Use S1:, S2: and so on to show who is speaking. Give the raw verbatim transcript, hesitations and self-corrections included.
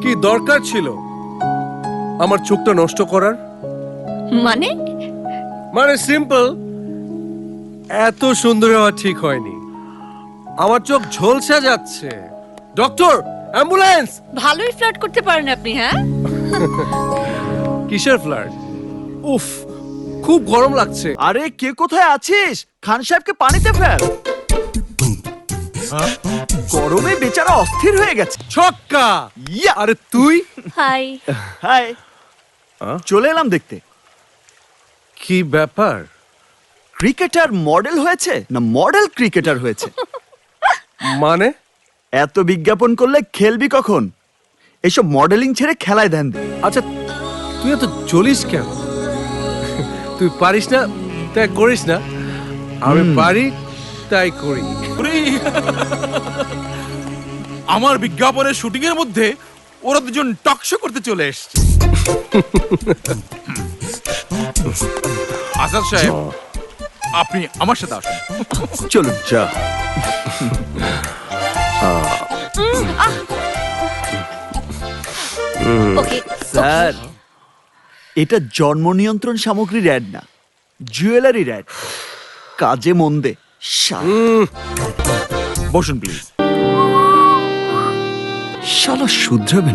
S1: কি দরকার ছিল আমার চোখটা নষ্ট করার?
S2: মানে
S1: মানে সিম্পল, এত সুন্দর হওয়া ঠিক হয়নি। আমার চোখ ঝলসে যাচ্ছে। Doctor, ambulance!
S2: ভালোই ফ্লার্ট করতে পারেন আপনি, হ্যাঁ?
S1: কিসের ফ্লার্ট? উফ, খুব গরম লাগছে।
S3: আরে কে কোথায় আছিস? খান সাহেবকে পানিতে ফেল। গরমে বেচারা অস্থির হয়ে গেছে।
S1: ছক্কা!
S3: ইয়া!
S1: আরে তুই?
S2: হাই।
S3: হাই, চলে এলাম দেখতে।
S1: কি ব্যাপার?
S3: ক্রিকেটার মডেল হয়েছে না মডেল ক্রিকেটার হয়েছে?
S1: মানে
S3: এত বিজ্ঞাপন করলে খেলবি কখন? এইসব মডেলিং ছেড়ে খেলায় ধ্যান দে।
S1: আচ্ছা, তুই এত জ্বলিস কেন? তুই পারিস না তাই করিস না, আমি পারি তাই করি।
S4: আমার বিজ্ঞাপনের শুটিং এর মধ্যে ওরা দুজন টকশো করতে চলে এসেছে। আসাদ সাহেব, আপনি আমার সাথে আসুন।
S3: চলুন যা।
S2: ওকে
S3: স্যার, এটা জন্ম নিয়ন্ত্রণ সামগ্রীর অ্যাড না, জুয়েলারির অ্যাড। কাজে মন দে। শা-
S4: বসুন প্লিজ।
S3: শালা শুধরাবে